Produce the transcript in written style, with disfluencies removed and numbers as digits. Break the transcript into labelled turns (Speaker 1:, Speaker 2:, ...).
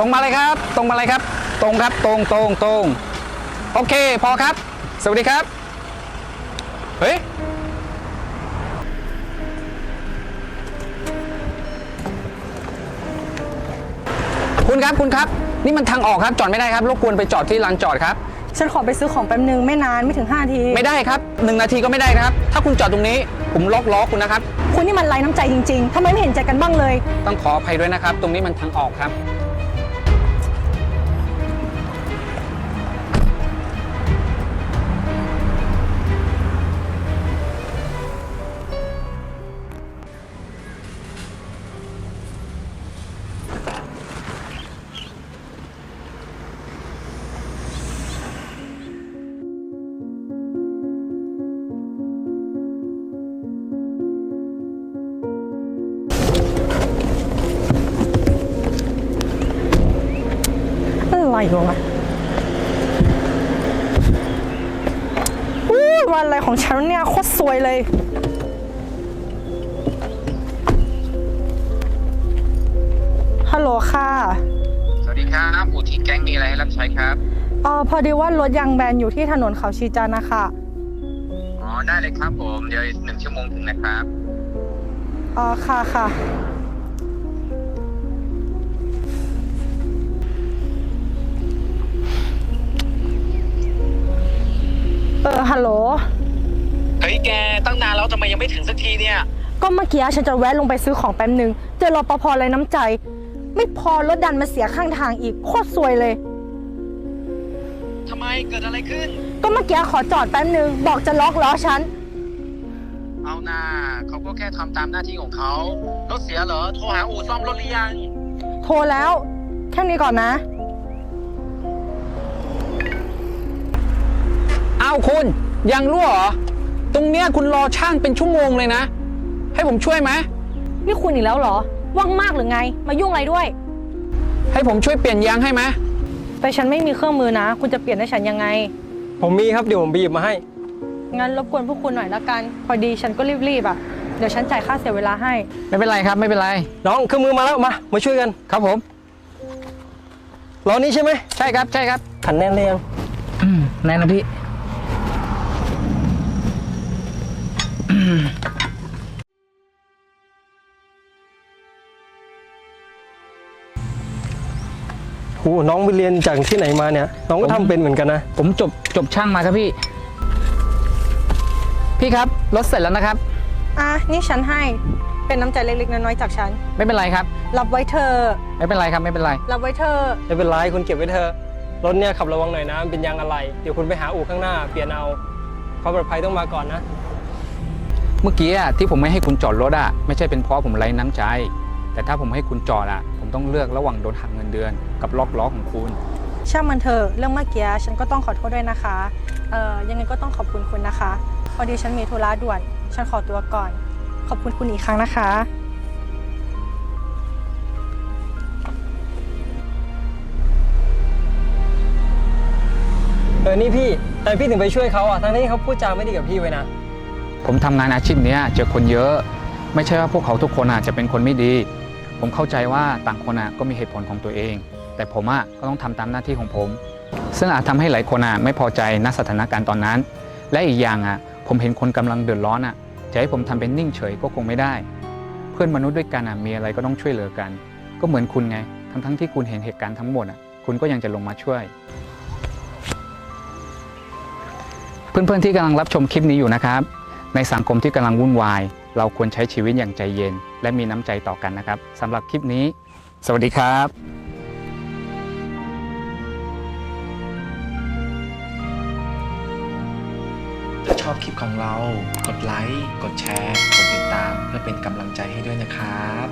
Speaker 1: รงมาเลยครับตรงมาเลยครับตรงครับตรงโอเคพอครับสวัสดีครับเฮ้ยคุณครับนี่มันทางออกครับจอดไม่ได้ครับรบกวนไปจอดที่ลานจอดครับ
Speaker 2: ฉันขอไปซื้อของแป๊บนึงไม่นานไม่ถึง5 นาที
Speaker 1: ไม่ได้ครับ1 นาทีก็ไม่ได้นะครับถ้าคุณจอดตรงนี้ผมล็อกล้อคุณนะครับ
Speaker 2: คุณนี่มันไร้น้ำใจจริงๆทำไมไม่เห็นใจกันบ้างเลย
Speaker 1: ต้องขออภัยด้วยนะครับตรงนี้มันทางออกครับ
Speaker 2: อะไรวะวันอะไรของฉันเนี่ยโคตรซวยเลยฮัลโหลค่ะ
Speaker 1: สวัสดีครับอู่ที่แก๊งมีอะไรให้รับใช้ครับ
Speaker 2: พอดีว่ารถยางแบนอยู่ที่ถนนเขาชีจันทร์นะคะ
Speaker 1: อ๋อได้เลยครับผมเดี๋ยว1 ชั่วโมงถึงนะครับ
Speaker 2: ค่ะฮัลโหล
Speaker 1: เฮ้ยแกตั้งนานแล้วทำไมยังไม่ถึงสักทีเนี่ย
Speaker 2: ก็เมื่อกี้ฉันจะแวะลงไปซื้อของแป๊บนึงเจอรปภไรน้ำใจไม่พอรถดันมาเสียข้างทางอีกโคตรซวยเลย
Speaker 1: ทำไมเกิดอะไรขึ้น
Speaker 2: ก็เมื่อกี้ขอจอดแป๊บนึงบอกจะล็อกล้อฉัน
Speaker 1: เอาหน้าเขาก็แค่ทำตามหน้าที่ของเขารถเสียเหรอโทรหาอู่ซ่อมรถหรือยัง
Speaker 2: โทรแล้วแค่นี้ก่อนนะ
Speaker 1: อ้าวคุณยังรั่วเหรอตรงเนี้ยคุณรอช่างเป็นชั่วโมงเลยนะให้ผมช่วยไหม
Speaker 2: นี่คุณอีกแล้วเหรอว่างมากหรือไงมายุ่งอะไรด้วย
Speaker 1: ให้ผมช่วยเปลี่ยนยางให้ไหม
Speaker 2: แต่ฉันไม่มีเครื่องมือนะคุณจะเปลี่ยนให้ฉันยังไง
Speaker 3: ผมมีครับเดี๋ยวผมไปหยิบมาให้
Speaker 2: งั้นรบกวนพวกคุณหน่อยละกันพอดีฉันก็รีบๆอ่ะเดี๋ยวฉันจ่ายค่าเสียเวลาให้
Speaker 1: ไม่เป็นไรครับไม่เป็นไร
Speaker 3: น้องเครื่องมือมาแล้วมาช่วยกัน
Speaker 1: ครับผม
Speaker 3: ล้อนี้ใช่ไหม
Speaker 1: ใช่ครับ
Speaker 3: ขันแน่นเลยยัง
Speaker 1: แน่นะพี่
Speaker 3: โอ้น้องไปเรียนจากที่ไหนมาเนี่ยน้องก็ทำเป็นเหมือนกันนะ
Speaker 1: ผมจบช่างมาครับพี่ครับรถเสร็จแล้วนะครับ
Speaker 2: นี่ฉันให้เป็นน้ำใจเล็กๆน้อยๆจากฉัน
Speaker 1: ไม่เป็นไรครับ
Speaker 2: รับไว้เธอ
Speaker 1: ไม่เป็นไรครับไม่เป็นไร
Speaker 2: รับไว้เธอ
Speaker 3: ไม่เป็นไรคุณเก็บไว้เธอรถเนี่ยขับระวังหน่อยนะเป็นยางอะไรเดี๋ยวคุณไปหาอู่ข้างหน้าเปลี่ยนเอาความปลอดภัยต้องมาก่อนนะ
Speaker 1: เมื่อกี้ที่ผมไม่ให้คุณจอดรถไม่ใช่เป็นเพราะผมไร้น้ำใจแต่ถ้าผมให้คุณจอดผมต้องเลือกระหว่างโดนหักเงินเดือนกับล็อกล้อของคุณ
Speaker 2: ช่างมันเถอะเรื่องเมื่อกี้ฉันก็ต้องขอโทษด้วยนะคะยังไงก็ต้องขอบคุณคุณนะคะพอดีฉันมีธุระด่วนฉันขอตัวก่อนขอบคุณคุณอีกครั้งนะคะ
Speaker 3: นี่พี่แต่พี่ถึงไปช่วยเขาทั้งที่เขาพูดจาไม่ดีกับพี่ไว้นะ
Speaker 1: ผมทำงานอาชีพนี้เจอคนเยอะไม่ใช่ว่าพวกเขาทุกคนจะเป็นคนไม่ดีผมเข้าใจว่าต่างคนก็มีเหตุผลของตัวเองแต่ผมก็ต้องทำตามหน้าที่ของผมซึ่งอาจทำให้หลายคนไม่พอใจณสถานการณ์ตอนนั้นและอีกอย่างผมเห็นคนกำลังเดือดร้อนจะให้ผมทำเป็นนิ่งเฉยก็คงไม่ได้เพื่อนมนุษย์ด้วยกันมีอะไรก็ต้องช่วยเหลือกันก็เหมือนคุณไงทั้งที่คุณเห็นเหตุการณ์ทั้งหมดคุณก็ยังจะลงมาช่วยเพื่อนๆที่กำลังรับชมคลิปนี้อยู่นะครับในสังคมที่กำลังวุ่นวายเราควรใช้ชีวิตอย่างใจเย็นและมีน้ำใจต่อกันนะครับสำหรับคลิปนี้สวัสดีครับ
Speaker 4: ถ้าชอบคลิปของเรากดไลค์กดแชร์กดติดตามเพื่อเป็นกำลังใจให้ด้วยนะครับ